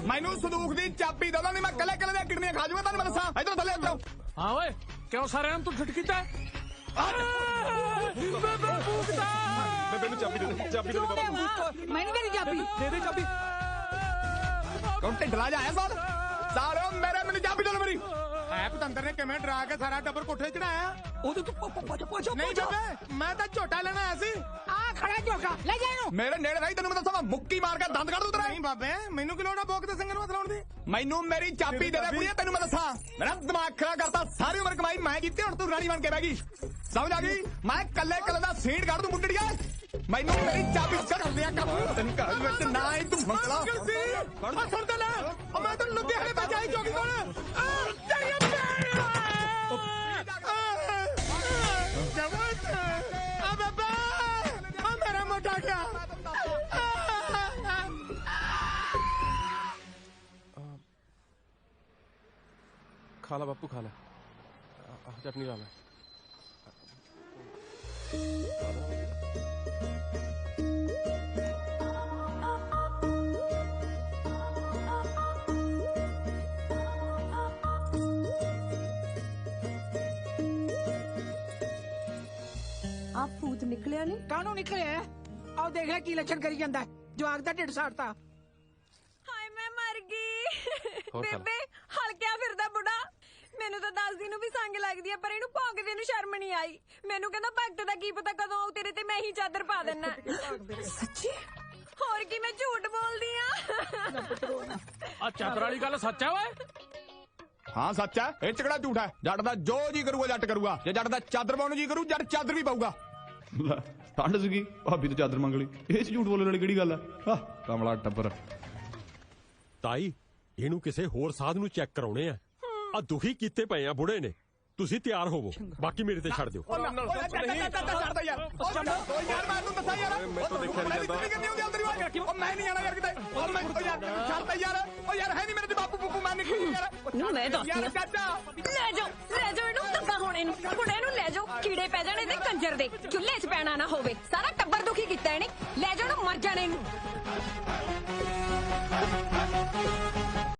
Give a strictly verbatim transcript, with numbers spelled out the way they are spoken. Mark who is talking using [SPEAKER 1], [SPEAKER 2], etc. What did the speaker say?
[SPEAKER 1] मैनू संदूक दी चाबी दो नहीं मैं कले कले दी किडनियां खा जाऊंगा तेन मैं दसा इधर थले उतरो
[SPEAKER 2] हाँ ओए क्यों सारे तू ठिट कीता
[SPEAKER 1] बेबे चाबी दे चाबी दे बाबू
[SPEAKER 3] मैंने मेरी चाबी
[SPEAKER 2] दे दे चाबी
[SPEAKER 1] कौन ढिंडला जाया साल सालो मेरे मैंने चाबी दो मेरी
[SPEAKER 2] है पतंदर ने किवें डरा के सारा टब्बर कोठे चढ़ाया
[SPEAKER 3] ਉਹਦੇ ਤੋਂ ਪੋਚੋ ਪੋਚੋ
[SPEAKER 2] नहीं बेबे मैं तो झोटा लेना आया सी
[SPEAKER 3] ਆ ਖੜਾ ਝੋਟਾ ਲੈ ਜਾ ਇਹਨੂੰ
[SPEAKER 1] मेरे नेड़े रही तेन मैं दसा मुक्की मार के दंद कड़ दूं तेरा
[SPEAKER 2] नहीं बाबे मैनू की लोड़ है बोक दे संग नूं हथ लाउण दी
[SPEAKER 1] मैनू मेरी चाबी दे दे कुड़िया तेन मैं दसा मेरा दिमाग खराब करता सारी उम्र कमाई मैं कीती हुण तू रानी बन के बह गई समझ आ गई मैं कल्ले कल्ले दा सीट काट दूं मुंडड़िया मैनू मेरी चाबी चढ़ दिया कर तेन घर विच ना ही तू मंगला
[SPEAKER 2] सुन ते ले मैं तो लुधियाने बजाई चौकी कोल तेरी आ बाबा आ मेरा मोटा क्या खा ला बापू खा ला चटनी ला ला
[SPEAKER 4] आप भूत निकलिया नहीं
[SPEAKER 3] ਕਾਹਨੂੰ ਨਿਕਲਿਆ ਆਓ ਦੇਖ ਲੈ ਕੀ ਲੱਛਣ ਕਰੀ ਜਾਂਦਾ ਜਵਾਕ ਦਾ ਢਿੱਡ ਸਾੜਤਾ
[SPEAKER 5] ਹਾਏ ਮੈਂ ਮਰ ਗਈ
[SPEAKER 2] ਹੋਰ ਖਾ ਲਾ।
[SPEAKER 5] ਬੇਬੇ ਹਲਕਿਆ ਫਿਰਦਾ ਬੁੜਾ ਮੈਨੂੰ ਤਾਂ ਦੱਸਦੀ ਨੂੰ ਵੀ ਸੰਗ ਲੱਗਦੀ ਆ ਪਰ ਇਹਨੂੰ ਭੌਂਕਦੇ ਨੂੰ ਸ਼ਰਮ ਨਹੀਂ ਆਈ ਮੈਨੂੰ ਕਹਿੰਦਾ ਭਗਤ ਦਾ ਕੀ ਪਤਾ ਕਦੋਂ ਆਉ ਤੇਰੇ ਤੇ ਮੈਂ ਹੀ ਚਾਦਰ ਪਾ ਦੇਣਾ
[SPEAKER 4] सच्ची
[SPEAKER 5] ਹੋਰ ਕੀ ਮੈਂ ਝੂਠ ਬੋਲਦੀ ਆ
[SPEAKER 2] आ चादर वाली गल सच है ओए
[SPEAKER 1] हाँ सच है ये च किहड़ा झूठ है जट दा जो जी करूगा जट करूगा जे जट दा चादर पाउण जी करू जट चादर भी पाऊगा ठंड सीगी भाभी तो चादर मंग ली ये च झूठ बोलने वाली किहड़ी गल है कमला टब्बर
[SPEAKER 6] ਤਾਈ ਇਹਨੂੰ ਕਿਸੇ ਹੋਰ ਸਾਧ ਨੂੰ ਚੈੱਕ ਕਰਾਉਣੇ ਆ ਆ ਦੁਖੀ ਕੀਤੇ ਪਏ ਆ ਬੁੜੇ ਨੇ ਤੁਸੀਂ ਤਿਆਰ ਹੋਵੋ ਬਾਕੀ ਮੇਰੇ ਤੇ ਛੱਡ ਦਿਓ
[SPEAKER 5] ਮੈਂ ਦੱਸਦੀ ਆ ਲੈ ਜਾਓ ਲੈ ਜਾਓ ਇਹਨੂੰ ਧੱਕਾ ਹੁਣ ਇਹਨੂੰ ਹੁਣ ਇਹਨੂੰ ਲੈ ਜਾਓ ਕੀੜੇ ਪੈ ਜਾਣੇ ਤੇ ਕੰਜਰ ਦੇ ਚੁੱਲ੍ਹੇ 'ਚ ਪੈਣਾ ਨਾ ਹੋਵੇ ਸਾਰਾ ਟੱਬਰ ਦੁਖੀ ਕੀਤਾ ਇਹਨੇ ਲੈ ਜਾਓ ਇਹਨੂੰ ਮਰ ਜਾਣੇ ਇਹਨੂੰ